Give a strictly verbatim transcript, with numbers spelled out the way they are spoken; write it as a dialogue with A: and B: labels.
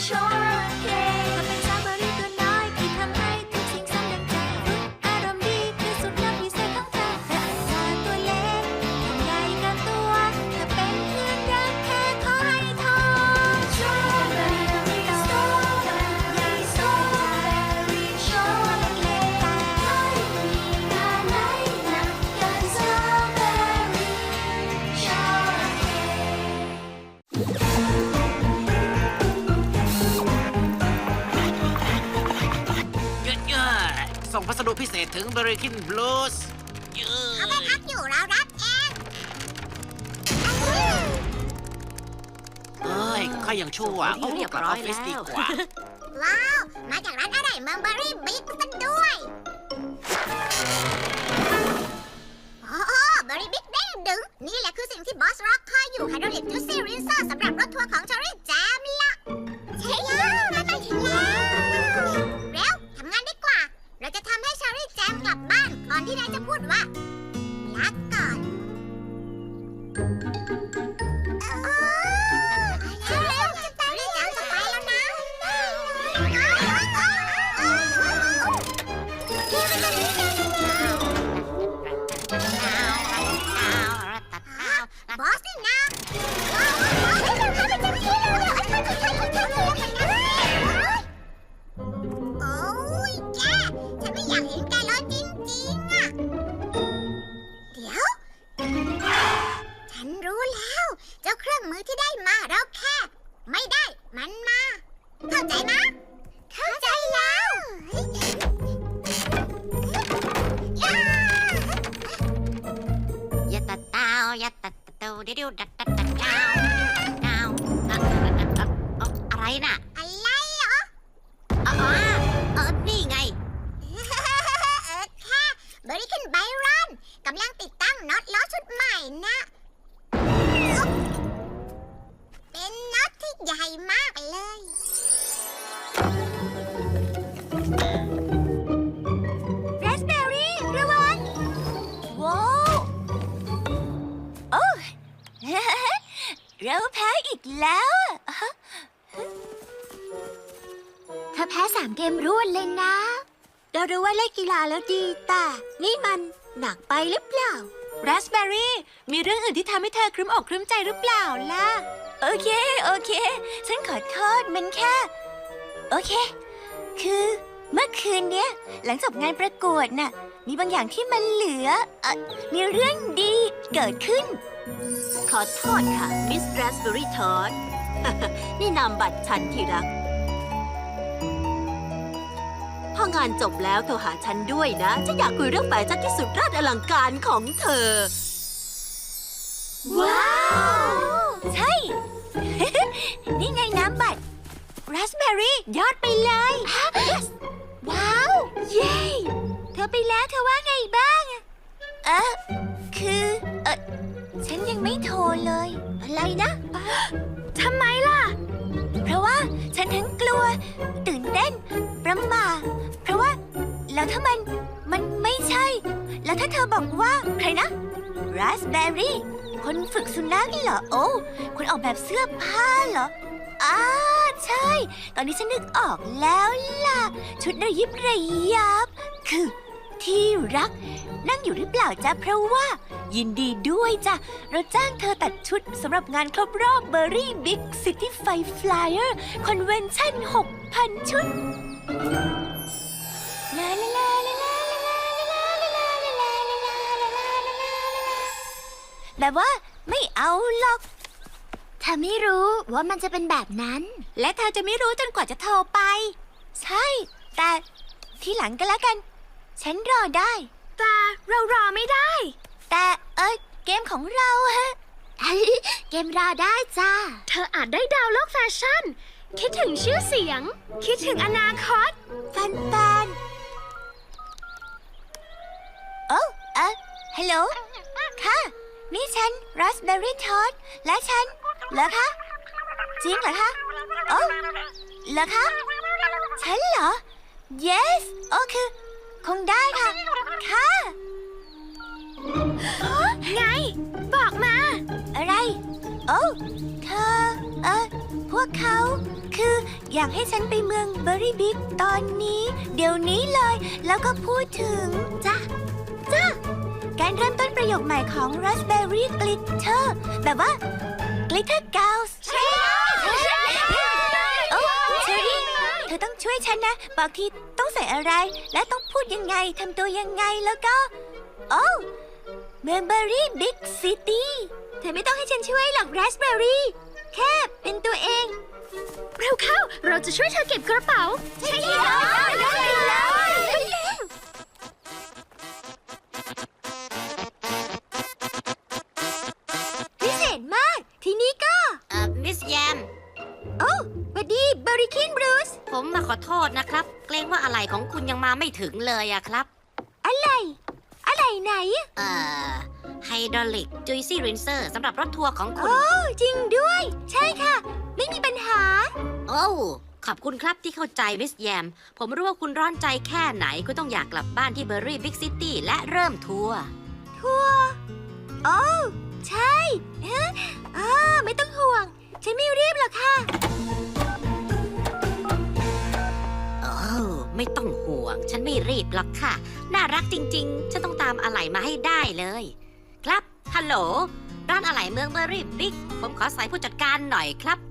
A: ช็อกเค้กเธอเป็นสตรอเบอรี่ตัวน้อยที่ทำให้ทุกสิ่งสำเร็จใจอารมณ์ดีที่สุดนับพิเศษของเธอเธออาจจะตัวเล็กทำใหญ่เกินตัวเธอเป็นเพื่อนรักแค่ขอให้ทองช็อกเบอรี่สตรอเบอรี่สตรอเบอรี่ช็อกเล็กแต่ไม่มีงานไหนหนักเกินสตรอเบอรี่ช็อกเค้ก
B: เยอะๆส่งพัสดุพิเศษถึงเบอร์กินบลูส์เยอะ
C: เขาไม่พักอยู่เรารับเอง
B: เอ้ยข้ายังชั่วโอ้กลับออฟฟิศดีกว่า
C: ว้าว มาจากร้านอะไรเมืองเบอร์รี่บิ๊กซะด้วยโอ้โหเบอร์รี่บิ๊กเด้งดึงนี่แหละคือสิ่งที่บอสร็อกคอยอยู่ไฮดรอลิกจูซี่รินเซอร์สำหรับรถทัวร์ของเชอรี่แจมละใช่แล้วมาตั้งอีกแล้วเร็วทำงานดีกว่า เราจะทำให้เชอรี่แจมกลับบ้านก่อนที่นายจะพูดว่าลาก่อนเออเร็วจะไปเชอรี่แจมจะไปแล้วนะบอสนี่นะโอ้ยแกฉันไม่อยากเห็นแกเลยจริงๆอะเดี๋ยว ฉันรู้แล้ว เจ้าเครื่องมือที่ได้มาเราแค่ ไม่ได้มันมา เข้าใจนะ เข้าใจแล้วย่า
D: ยัตตาเต้ายัตตาเต้าดิดิวดัดดัดดัดดาวดาวอะไรน่ะ
C: อะไรเหรอ
D: อ๋อเออนี่ไง
C: เออแค่บริคินไบรอนกำลังติดตั้งน็อตล้อชุดใหม่นะ เป็นน็อตที่ใหญ่มากเลย
A: ราสเบอร์รี่ระวังว้าว โอ้ เราแพ้อีกแล้วเธอแพ้สามเกมรวดเลยนะ เรารู้ว่าเล่นกีฬาแล้วดีแต่นี่มันหนักไปหรือเปล่าราสเบอร์รี่มีเรื่องอื่นที่ทำให้เธอครึ้มอกครึ้มใจหรือเปล่าล่ะ โอเค โอเค ฉันขอโทษมันแค่ โอเค คือเมื่อคืนเนี้ยหลังจบงานประกวดน่ะมีบางอย่างที่มันเหลือเอ่อมีเรื่องดีเกิดขึ้น
E: ขอโทษค่ะ มิสราสเบอรี่ทอด นี่นามบัตรฉันที่รัก พองานจบแล้วโทรหาฉันด้วยนะ ฉันอยากคุยเรื่องแฟชั่นที่สุดราชอลังการของเธอ
A: ว้าว ใช่ นี่ไงน้ำบัตรราสเบอร์รี่ยอดไปเลย ว้าว เย้ เธอไปแล้วเธอว่าไงบ้างเออคือเออฉันยังไม่โทรเลย อะไรนะทำไมล่ะ เพราะว่าฉันทั้งกลัว ตื่นเต้น ประหม่าเพราะว่า แล้วถ้ามันมันไม่ใช่ แล้วถ้าเธอบอกว่าใครนะราสเบอร์รี่คนฝึกสุนัขเหรอโอ้คนออกแบบเสื้อผ้าเหรออ้าใช่ ตอนนี้ฉันนึกออกแล้วล่ะ ชุดระยิบระยับ คือที่รัก นั่งอยู่หรือเปล่าจ๊ะเพราะว่า ยินดีด้วยจ้ะเราจ้างเธอตัดชุดสำหรับงานครบรอบเบอร์รี่บิ๊กซิตี้ไฟฟลายเออร์คอนเวนชั่น หกพัน ชุดลาลาลาลาลาลาลาลาลาลาลาลาลาลาลาแบบว่าไม่เอาหรอกเธอไม่รู้ว่ามันจะเป็นแบบนั้น และเธอจะไม่รู้จนกว่าจะโทรไป ใช่ แต่ทีหลังก็แล้วกัน ฉันรอได้ แต่เรารอไม่ได้ แต่เออเกมของเราฮะ เกมรอได้จ้า
F: เธออาจได้ดาวโลกแฟชั่น คิดถึงชื่อเสียง คิดถึงอนาคต
A: ฟันแฟนโอ้เออฮัลโหล ค่ะ นี่ฉันราสเบอร์รี่ทอดและฉันเหรอคะ จริงเหรอคะโอ้เหรอคะ ฉันเหรอ yes โอ้คือ คงได้ค่ะ ค่ะ
F: ไง บอกมา
A: อะไร โอ้เธอ เออพูดวกเขา คืออยากให้ฉันไปเมืองเบอร์รี่บิ๊กตอนนี้ เดี๋ยวนี้เลย แล้วก็พูดถึงจ้ะจ้ะการเริ่มต้นประโยคใหม่ของ Raspberry Glitter แบบว่า Glitter Girls ใช่โอ้เชอรี่เธอต้องช่วยฉันนะ บอกทีต้องใส่อะไร และต้องพูดยังไง ทำตัวยังไง แล้วก็ โอ้เมืองเบอร์รี่บิ๊กซิตี้เธอไม่ต้องให้ฉันช่วยหรอก Raspberry แค่เป็นตัวเอง
F: เร็วเข้า เราจะช่วยเธอเก็บกระเป๋า
A: ใช่เลยใช่เลยพิเศษมาก ทีนี้ก็
D: เอ่อมิสแยม
A: โอ้สวัสดีเบอร์รี่คิงบรูซ
D: ผมมาขอโทษนะครับ เกรงว่าอะไรของคุณยังมาไม่ถึงเลยอะครับ
A: อะไร อะไรไหน
D: เอ่อไฮดรอลิกจุยซี่รินเซอร์สำหรับรถทัวร์ของคุณ
A: โอ้จริงด้วย ใช่ค่ะ ไม่มีปัญหา
D: โอ้ขอบคุณครับที่เข้าใจมิสแยม ผมรู้ว่าคุณร้อนใจแค่ไหนคุณต้องอยากกลับบ้านที่เบอร์รี่บิ๊กซิตี้และเริ่มทัวร์
A: ทัวร์โอ้ใช่ฮะอ่าไม่ต้องห่วง ฉันไม่รีบหรอกค่ะ
D: โอ้ไม่ต้องห่วง ฉันไม่รีบหรอกค่ะ น่ารักจริงๆ ฉันต้องตามอะไหล่มาให้ได้เลย ครับ ฮัลโหล ร้านอะไหล่เมืองเบอร์รี่บิ๊ก ผมขอสายผู้จัดการหน่อยครับ